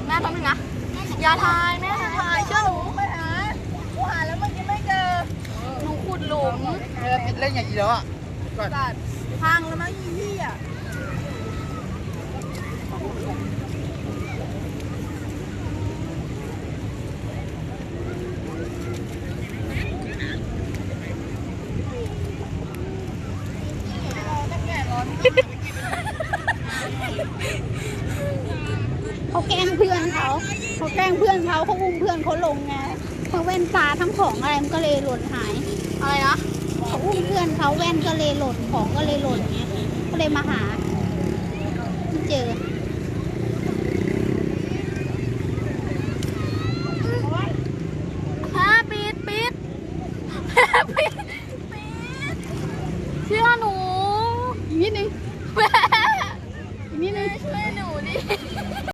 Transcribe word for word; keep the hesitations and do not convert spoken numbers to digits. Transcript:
แม่แป๊บนึงนะอย่าทายแม่อย่าทายเชื่อหนูไปหากูหาแล้วเมื่อกี้ไม่เจอหนูขุดหลุมเออติดเล่นอย่างนี้แล้วอ่ะก่อนกัดพังแล้วมั้งยี่พี่อ่ะเขาแกล้งเพื่อนเขาเขาแกล้งเพื่อนเขาเขาอุ้มเพื่อนเขาลงไงเพราะแว่นตาทั้งของอะไรมันก็เลยหล่นหายอะไรนะเขาอุ้มเพื่อนเขาแว่นก็เลยหล่นของก็เลยหล่นเงี้ยก็เลยมาหาไม่เจอ